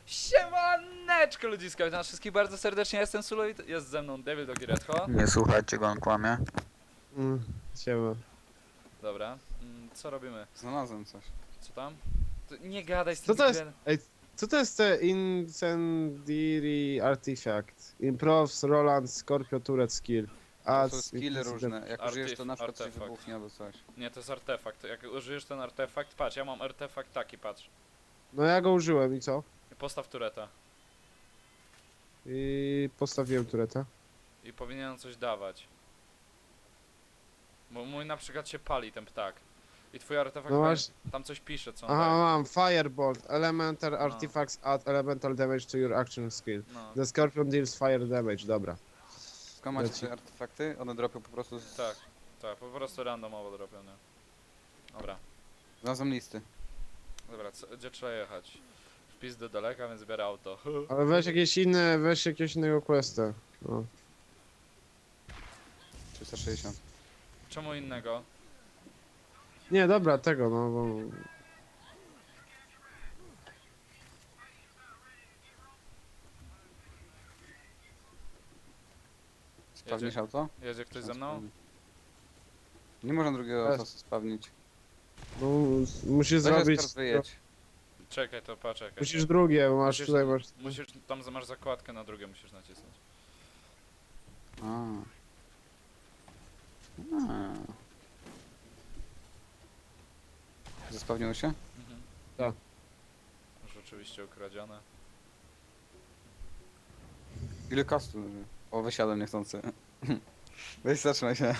Siemaneczko ludziska, witam wszystkich bardzo serdecznie, jestem Sulo i jest ze mną Devil Dog i Redho. Nie słuchajcie go, on kłamie. Siema. Dobra, co robimy? Znalazłem coś. Co tam? Nie gadaj z Co tym to jest? Ej, co to jest te Incendiary Artifact? Improves Roland Scorpio Turret Skill. To są skille różne. Jak Artif- użyjesz to na przykład coś artefakt. wybuchnie albo coś. Nie, to jest artefakt, jak użyjesz ten artefakt, patrz, ja mam artefakt taki, patrz. No ja go użyłem i co? Postaw tureta I postawiłem tureta. i powinien coś dawać. Bo mój na przykład się pali ten ptak. I twój artefakt, No masz... tam coś pisze, co on Aha, daje. mam Firebolt. Elemental Artifacts add elemental damage to your action skill. No, The Scorpion deals fire damage, dobra. Skąd macie Leci. te artefakty? One dropią po prostu z... tak, tak, po prostu randomowo dropią, nie? Dobra. Znalazłem listy. Dobra, gdzie trzeba jechać? Wpis do daleka, więc biorę auto. Ale weź jakieś inne, weź jakiegoś innego questa. No. 360. Czemu innego? Nie, dobra, tego, no bo... Sprawdzisz auto? Jedzie ktoś ze mną? Nie można drugiego Jest. auta sprawdzić. No, musisz Weź zrobić... Oskar, wyjedź. Czekaj, to poczekaj. Musisz drugie, bo masz Musisz- tutaj masz... Musisz, tam masz zakładkę na drugie, musisz nacisnąć. A. Zespawniło się? Mhm. Tak. Już oczywiście ukradzione. Ile kastu leży? O, wysiadłem niechcący. Weź, zatrzymaj się.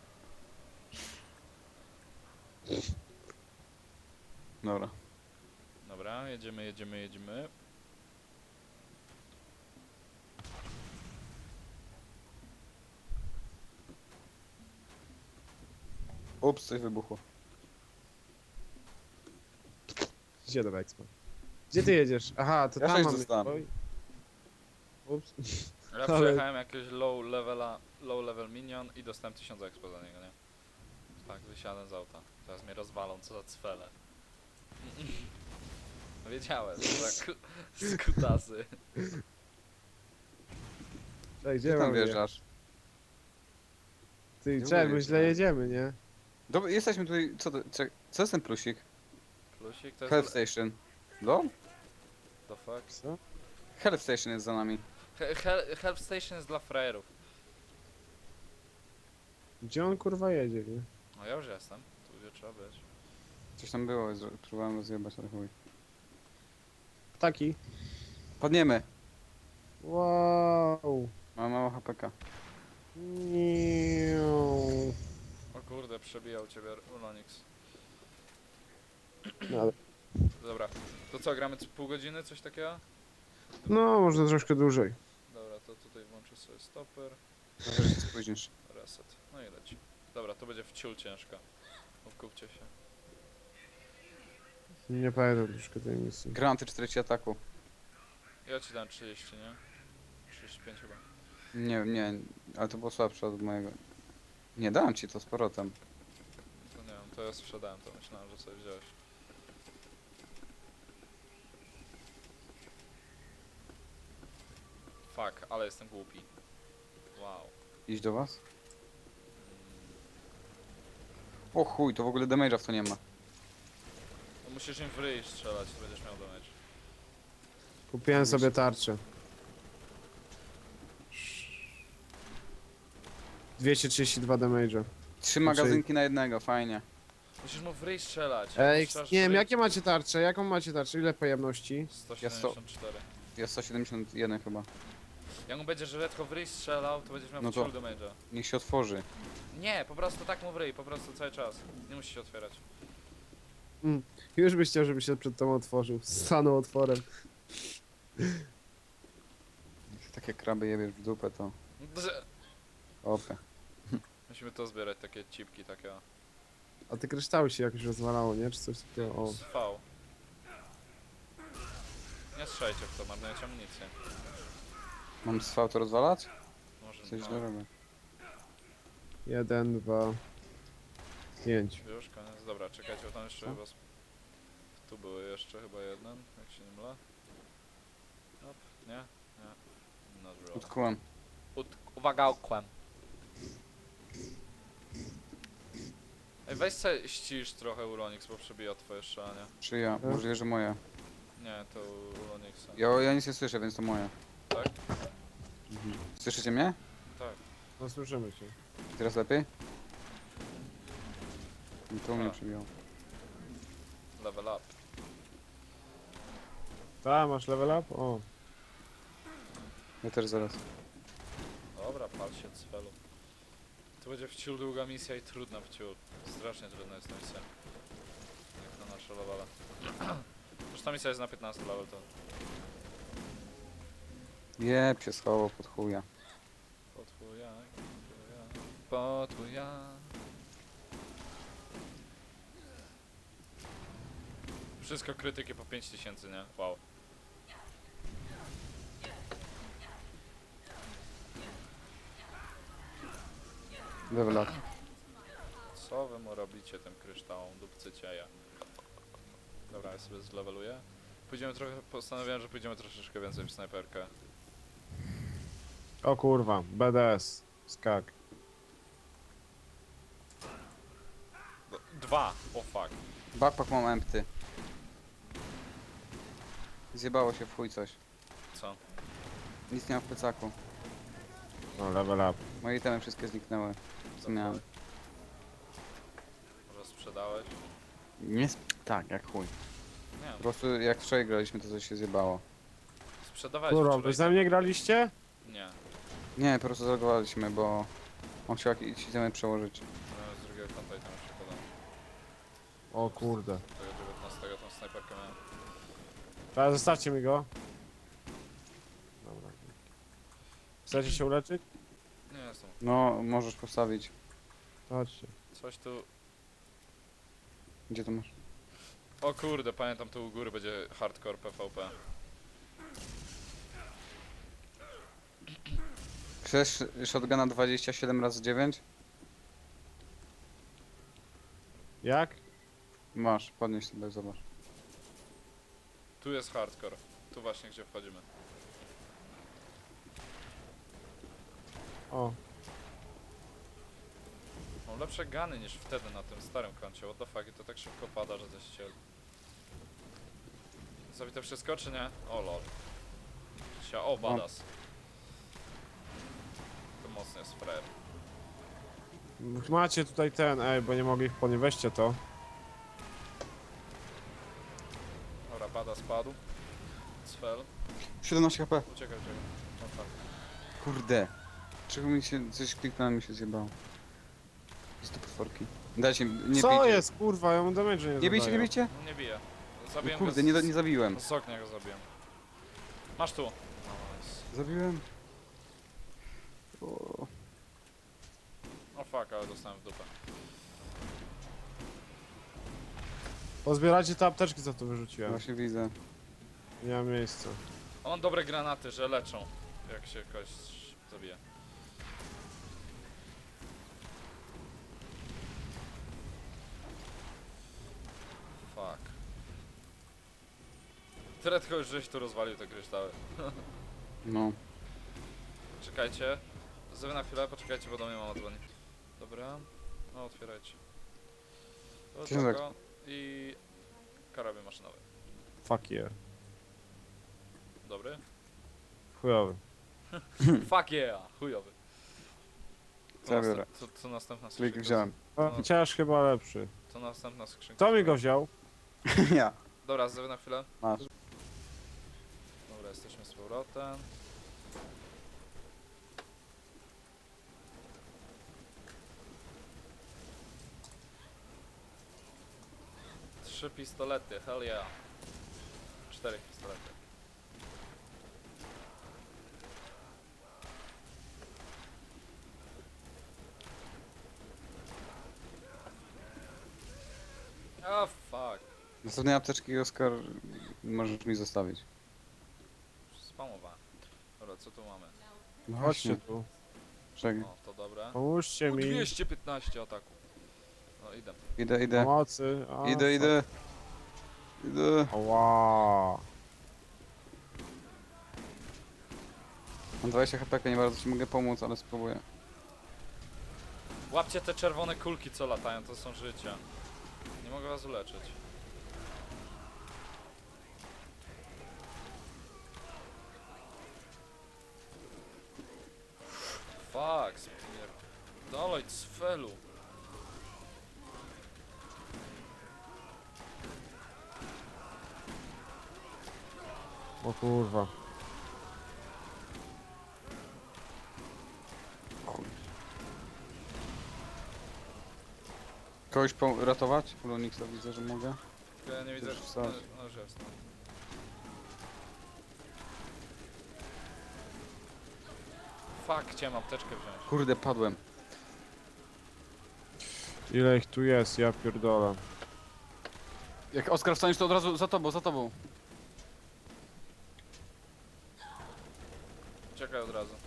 Dobra. Dobra, jedziemy. Ups, coś wybuchło. Gdzie do Expo? Gdzie ty jedziesz? Aha, to Ja tam sześć mamy... dostałem. Oj. Ups. Ja Ale- przejechałem jakiegoś low level minion i dostałem 1000 expo za niego, nie? Tak, wysiadłem z auta. Teraz mnie rozwalą, co za cwele. No wiedziałem, co za skutasy. Ej, Gdzie gdzie tam mamy wjeżdżasz? Ty, Nie czekaj, mówię my ci, źle no. jedziemy, nie? Dobra, jesteśmy tutaj, co jest ten plusik? Plusik to Health jest... Station. No? The fuck? Co? Health Station jest za nami. Help Station jest dla frajerów. Gdzie on kurwa jedzie, nie? No ja już jestem, tu gdzie trzeba być. Coś tam było, próbowałem rozjebać, ale chuj. Ptaki. Padniemy. Wow. Mam mało HPK. Niu. O kurde, przebijał ciebie Ulonix. No, Dobra, to co, gramy pół godziny, coś takiego? no, może troszkę dłużej. Dobra, to tutaj włączę sobie stopper, Może się spóźnisz. reset, no i leci. Dobra, to będzie wciul ciężka. Odkupcie się. Nie pamiętam troszkę tej misji. Granaty 40 ataku. Ja ci dam 30, nie? 35 chyba. Nie, ale to było słabsze od mojego. Nie, dałem ci to z powrotem. To nie wiem, to ja sprzedałem to, myślałem, że sobie wziąłeś. Fuck, ale jestem głupi. Wow. Iść do was? O chuj, to w ogóle damage'a w to nie ma. No musisz im w ryj strzelać, to będziesz miał damage. Kupiłem sobie tarczę. 232 damage'a. 3 magazynki na jednego, fajnie. Musisz mu w ryj strzelać. Ej, Jak strzelasz w nie wiem, ryj- jakie macie tarcze? Jaką macie tarczę? Ile pojemności? 174. Jest 171 chyba. Jak mu będziesz redko w ryj strzelał, to będziesz miał No no to- to... damage'a. Niech się otworzy. Nie, po prostu tak mu w ryj, po prostu cały czas. Nie musisz się otwierać. Już byś chciał, żeby się przed tobą otworzył. Stanął otworem. Jak takie kraby jebiesz w dupę, to opę. Musimy to zbierać, takie cipki, takie o. A te kryształy się jakoś rozwalało, nie? Czy coś takiego? O. Z V. Nie strzelajcie w to, marnujecie amunicję. Mam z V to rozwalać? Może Coś źle no, robię. 1, 2, 5. już koniec. Dobra, czekajcie, bo tam jeszcze Co? chyba... Tu były jeszcze chyba jeden, jak się nie mylę. Nie? Nie. Not really. Utkłem. Uwaga, okłem. Ej, weź se ścisz trochę Uronix, bo przebija twoje szanie. Czy ja? Możliwe, że moje. Nie, to Uronixa. Ja nic nie słyszę, więc to moje. Tak? Słyszycie mnie? Tak. No słyszymy cię. Teraz lepiej? No to u mnie A. przybiło. Level up. Ta, masz level up? O. Ja też zaraz. Dobra, pal się od spelu. To będzie wciul długa misja i trudna wciul. Strasznie trudna jest ta misja. Jak na nasze levele. Zresztą ta misja jest na 15 level to. Jeb się schował pod chuja. Potwuja, potwuja. Wszystko krytyki po 5000, nie? Wow. Level up. Co wy mu robicie tym kryształom? Dupcycie ja. Dobra, ja sobie zleveluję. Pójdziemy trochę, postanowiłem, że pójdziemy troszeczkę więcej w snajperkę. O kurwa, BDS. Skak. 2! O fuck. Backpack mam empty. Zjebało się w chuj coś. Co? Nic nie mam w plecaku. No, level up. Moje itemy wszystkie zniknęły. Co miałem? Może sprzedałeś? Nie tak, jak chuj. Nie, Po prostu jak wczoraj graliśmy, to coś się zjebało. sprzedawałeś Kurwa, wczoraj. wy ze mnie graliście? Nie. Nie, po prostu zalogowaliśmy, bo on chciał jakieś itemy przełożyć. No, z drugiego konta i tam jeszcze podam. O kurde. Tego 19 tą snajperkę miałem. Teraz zostawcie mi go. Dobra. Chcecie się uleczyć? Nie jestem. No, możesz postawić. Chodźcie. Coś tu... Gdzie to masz? O kurde, pamiętam tu u góry będzie hardcore PvP. Chcesz shotguna 27 razy 9? Jak? Masz, podnieś sobie, zobacz. Tu jest hardcore. Tu właśnie gdzie wchodzimy. O. Mam lepsze gany niż wtedy na tym starym koncie. What the fuck, i to tak szybko pada, że coś cię... Zabite wszystko, czy nie? O lol. O, badass. To mocny jest frajer. Macie tutaj ten, bo nie mogę ich podnieść. Weźcie to. Dobra, badass padł. Sfel. 17 HP. Uciekaj, uciekaj. No tak. Kurde. Czego mi się, coś kliknąłem, mi się zjebało. Jest to potworki. Dajcie, nie Co bijcie. jest, kurwa? Ja mu damage nie Nie bijcie, nie zadaję. bijcie? No nie bije. No Zabiłem kurde, go nie zabiłem. z ognia go zabiłem. Masz tu. Nice. Zabiłem. O, O fuck, ale dostałem w dupę. Pozbieracie te apteczki, co tu wyrzuciłem. właśnie widzę. Nie mam miejsca. On ma dobre granaty, że leczą. Jak się kogoś zabije. Fuck. Tyle tylko już żeś tu rozwalił te kryształy. No. Czekajcie. Zrobię na chwilę, poczekajcie, bo do mnie mama dzwoni. Dobra. No, otwierajcie. To Książek. tylko i karabin maszynowy. Fuck yeah. Dobry? Chujowy. Fuck yeah! Chujowy. Zabiorę. Co następna Klik skrzynka? wziąłem. No, chociaż chyba lepszy. Co następna skrzynka? Kto mi go wziął? Ja. Dobra, zrobię na chwilę. Masz. Dobra, jesteśmy z powrotem. Trzy pistolety, hell yeah. 4 pistolety. Ah, fuck. Następnej apteczki, Oskar, możesz mi zostawić. Spamowałem. Dobra, co tu mamy? No Chodźcie tu. Czekaj. O, to dobre. Pomóżcie O, mi. 215 ataku. No idę. Idę. Pomocy. O, Idę. Ła. Mam 20 HP, nie bardzo ci mogę pomóc, ale spróbuję. Łapcie te czerwone kulki, co latają, to są życia. Nie mogę was uleczyć. Fuck, dalej, cfelu. O kurwa. Chuj. Kogoś ratować? Ulonixa widzę, że mogę. Ja nie widzę, Już że... wsadź. No, już jest, no. Fuck, chciałem apteczkę wziąć. Kurde, padłem. Ile ich tu jest, ja pierdolę. Jak Oskar wstaniesz, to od razu za tobą, za tobą. Czekaj od razu.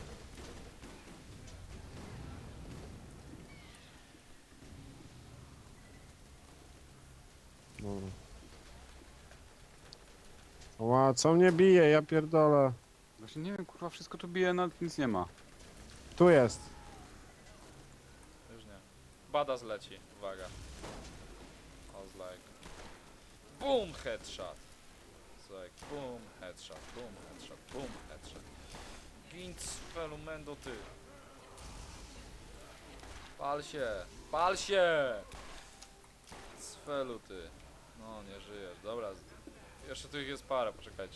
Dobra. Ła, co mnie bije, ja pierdolę. Właśnie nie wiem, kurwa, wszystko tu bije, nawet nic nie ma. Tu jest. Już nie. Bada zleci, uwaga. I was like... Boom, headshot. It's like boom, headshot, boom, headshot, boom, headshot. Gin cfelu, mendo ty. Pal się, pal się! Cfelu ty. No, nie żyjesz, dobra. Jeszcze tu ich jest parę, poczekajcie.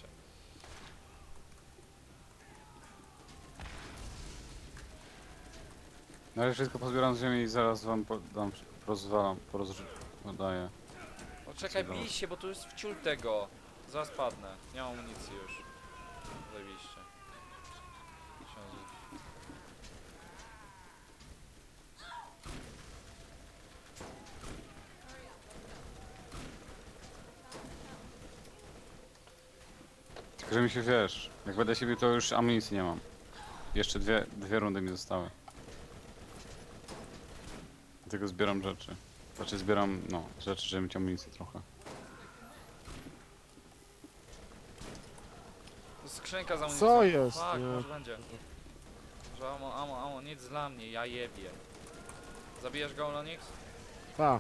Na razie wszystko pozbieram z ziemi i zaraz wam dam, porozdaję. Poczekaj, Co bij się, bo tu jest wciul tego. Zaraz padnę, nie mam amunicji już. Zajebiście. Książę. Tylko, że mi się wiesz, jak będę się bił, to już amunicji nie mam. Jeszcze dwie rundy mi zostały. Dlatego zbieram rzeczy. Znaczy zbieram, no, rzeczy, żeby mieć amunicję trochę. To jest skrzynka za amunicją. Co jest? Tak, Nie. może będzie. Że amo, nic dla mnie, ja jebie. Zabijesz go, Lonix? Ta.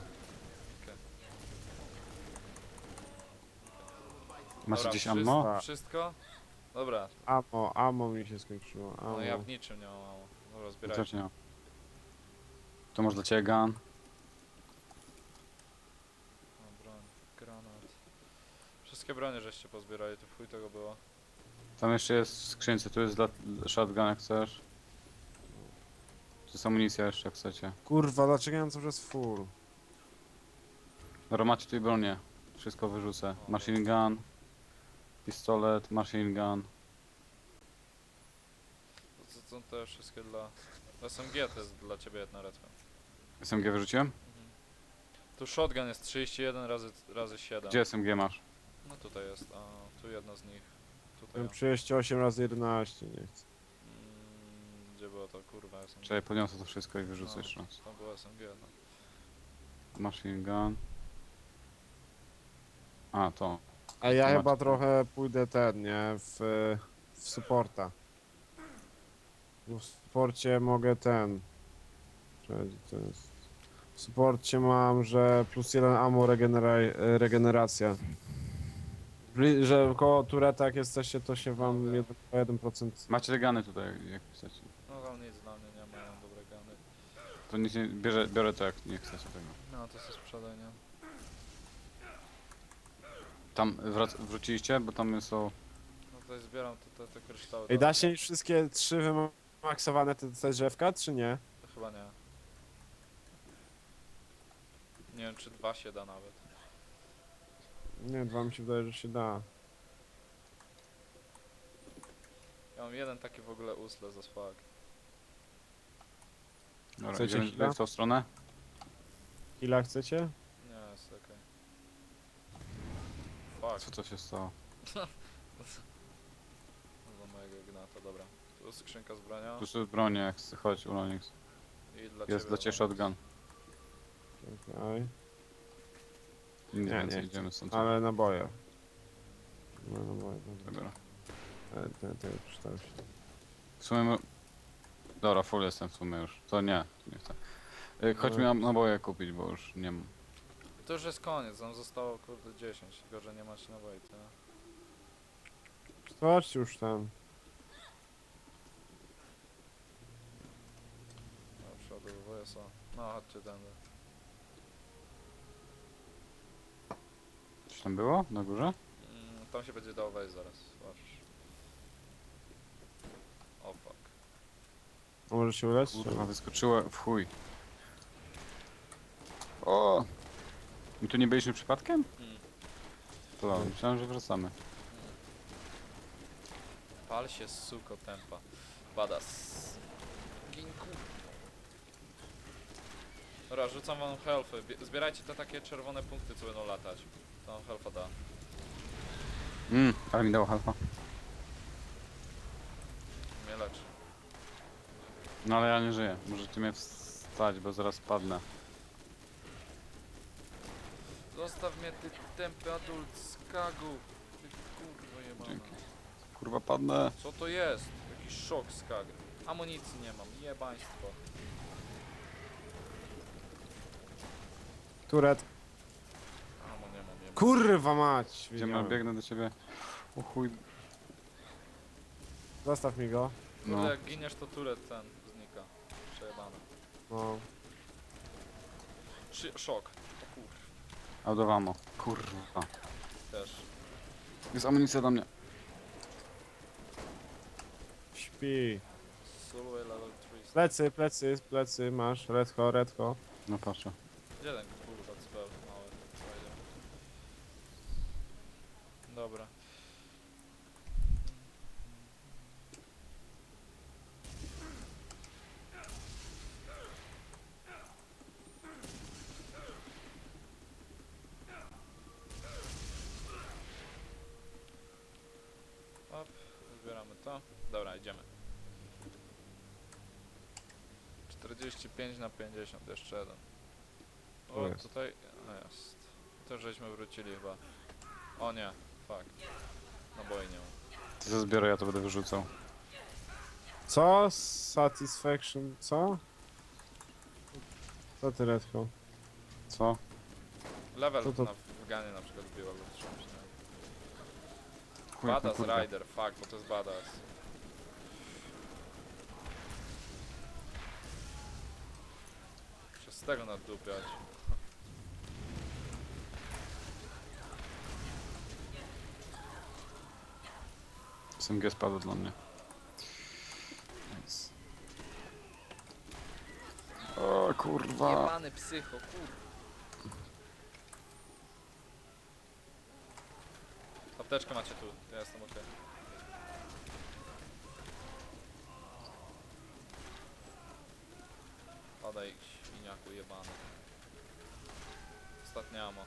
Masz Dobra, gdzieś ammo? Tak. Wszystko? Dobra, Ammo mi się skończyło. no Ammo. ja w niczym nie mam amo. Dobra, Też zbierajcie. nie mam. To może dla ciebie gun. O, broń, granat. Wszystkie bronie żeście pozbierali, to w chuj tego było. Tam jeszcze jest w skrzynce, tu jest dla shotgun jak chcesz. Tu jest amunicja jeszcze jak chcecie. Kurwa, dlaczego ja mam cały czas full? Dobra, macie tu i bronię. Wszystko wyrzucę. Machine gun, pistolet, machine gun. To są te wszystkie dla... SMG to jest dla ciebie jedna retwa. SMG wyrzuciłem? Tu shotgun jest 31 razy 7. Gdzie SMG masz? No tutaj jest, a tu jedno z nich. Tutaj. Mam o. 38 razy 11, nie chcę. Gdzie było to, kurwa, SMG? Czekaj, podniosę to wszystko i wyrzucę No, jeszcze raz. to było SMG, no. Machine gun. A, to. A ja Macie. chyba trochę pójdę ten, nie? W supporta. Bo w supporcie mogę ten. Czekaj, to jest. W supporcie mam, że plus 1 ammo regeneracja. Że koło tureta jak jesteście, to się wam Dobra. 1%. Macie te guny tutaj, jak chcecie. No tam nic dla mnie nie mają dobre gany. To nic nie, biorę to jak nie chcecie tego. No to się sprzedaj, nie? Tam wróciliście, bo tam są... No tutaj zbieram te kryształy. Ej, da się mieć wszystkie 3 wymaksowane te drzewka, czy nie? To chyba nie. Nie wiem czy 2 się da nawet. Nie, 2 mi się wydaje, że się da. Ja mam jeden taki w ogóle useless as fuck. Dobra, Chcecie idziemy chwilę? w tą stronę? Killa chcecie? Nie, jest okej. Fuck. Co to się stało? Do mojego gnata, dobra. Tu jest skrzynka z bronią. Tu jest bronie, jak chcesz, chodź Ulonix. I dla Jest dla ciebie shotgun. Czekaj. Nic Nie, więcej, nie idziemy stąd. Ale naboje. No, naboje, dobra. Dobra. Ten przeczytał się. W sumie... Dobra, full jestem w sumie już. To nie chcę. Chodź mi Dobra. naboje kupić, bo już nie mam. To już jest koniec, nam zostało kurde 10, tylko że nie macie naboi, tyle. Chodź już tam. Do przodu, WSO. No chodźcie tędy. Coś tam było? Na górze? Tam się będzie dało wejść zaraz, patrz. O fuck. A może się ulec? Kurwa, wyskoczyło w chuj. O! I tu nie byliśmy przypadkiem? Mm. To dobra, myślałem, że wracamy. Pal się suko tempa. Badas. Ginku. Dobra, rzucam wam healthy. Zbierajcie te takie czerwone punkty, co będą latać. To wam healtha da. Ale mi dało halfa. Mnie leczy. No ale ja nie żyję. Możecie mnie wstać, bo zaraz padnę. Zostaw mnie, ty tępy adult z kagu. Ty kurwa jebana. Dzięki. Kurwa, padnę. Co to jest? Jakiś szok z kag. Amunicji nie mam, jebaństwo. Turet. Amo nie mam, jebam. Kurwa mać! Idziemy, wiedziałem. biegnę do ciebie. O chuj. Zostaw mi go. Kurde, No. jak giniesz to turet ten znika. Przejebane. No. Szok. O kur... Out of ammo. Kurwa. Też. Jest amunicja do mnie. Śpi. Sulway level 3. Plecy, masz. Redko. No patrzę. Gdzie ten kurwa spell mały? Fajnie. Dobra. Op, zbieramy to. Dobra, idziemy. 45 na 50, jeszcze jeden. Tu O, jest. tutaj jest. To żeśmy wrócili chyba. O nie, fuck. Naboi nie mam. Ty to zbiorę, ja to będę wyrzucał. Co? Satisfaction? Co? Co ty, Redko? Co? Level Co to? na wganie na przykład wbił albo czymś, nie? Chuj, jak na Badass kurwę. Rider, fuck, bo to jest badass. Muszę z tego naddupiać. SMG spadło dla mnie. Nice. O kurwa. Jebany psycho, kur... Apteczkę macie tu, ja jestem okej. Padaj, świniaku jebany. Ostatnie ammo.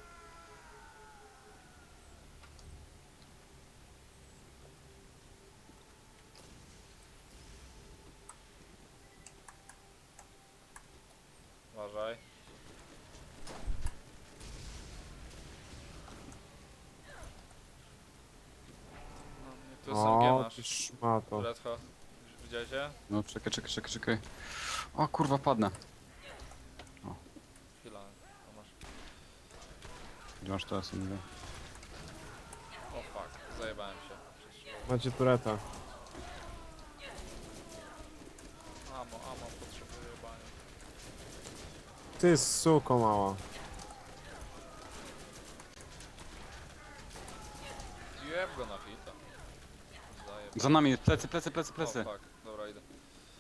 Uważaj. No, nie, tu SMG O, masz. ty szmato. Redho, widzieliście? No czekaj. O kurwa, padnę. Chwila, to masz. Gdzie masz to SMG? O fuck, zajebałem się. Przez Macie tureta. Amo, potrzebuję jebania. Ty suko mała. Jeb go na hita. Zajeb. Za nami, plecy. O fuck, dobra idę.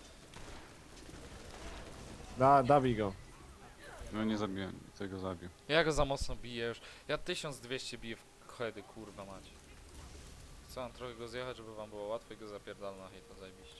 Dawij go. No nie zabiłem, tego zabił. Ja go za mocno biję już. Ja 1200 biję w heady, kurwa macie. Chcę wam trochę go zjechać, żeby wam było łatwo i go zapierdala na hita, zajebiście.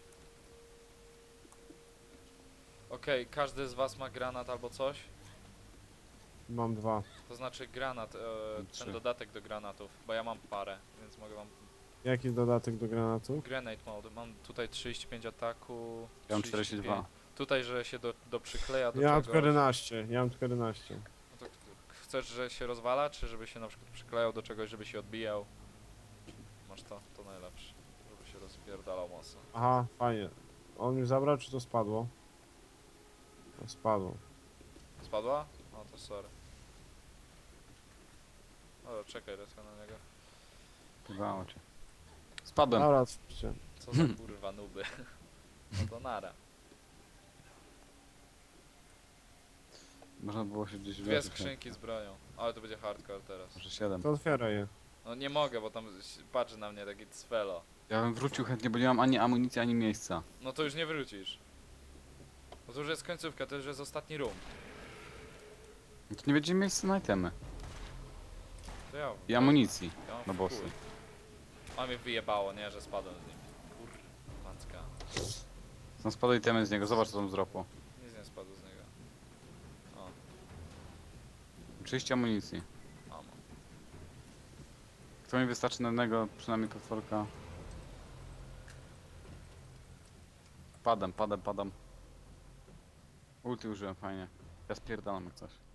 Okej, każdy z was ma granat albo coś? Mam 2. To znaczy granat, Trzy. ten dodatek do granatów, bo ja mam parę, więc mogę wam... Jaki dodatek do granatu? Grenade mode, mam tutaj 35 ataku, Ja mam 35. 42. Tutaj, że się do przykleja do Ja mam czegoś. tylko 11. Ja mam tylko 11. No to chcesz, że się rozwala, czy żeby się na przykład przyklejał do czegoś, żeby się odbijał? Masz to najlepsze, żeby się rozpierdalał mocno. Aha, fajnie. On mi zabrał, czy to spadło? To spadło. Spadła? No to sorry. O, czekaj, lecę na niego. Pywało cię. Spadłem. Dobra, odpuśćcie. Co za kurwa nuby. No to nara. Można było się gdzieś Dwie wleczyć. skrzynki z bronią. Ale to będzie hardcore teraz. Może 7. To otwieraj je. No nie mogę, bo tam patrzy na mnie taki cwelo. Ja bym wrócił chętnie, bo nie mam ani amunicji, ani miejsca. No to już nie wrócisz. Bo to już jest końcówka, to już jest ostatni room. No to nie będzie miejsca na itemy. To ja. I amunicji Ja mam na w bossy. chuj. A mnie wyjebało, nie, że spadłem z nim. Kurwa, pancka. Są spadły itemy z niego, zobacz co tam zdropło. Nic nie spadło z niego. O, 30 amunicji. amo. To mi wystarczy na jednego, przynajmniej potworka. Padam. Ulti użyłem, fajnie. Ja spierdalam jak coś.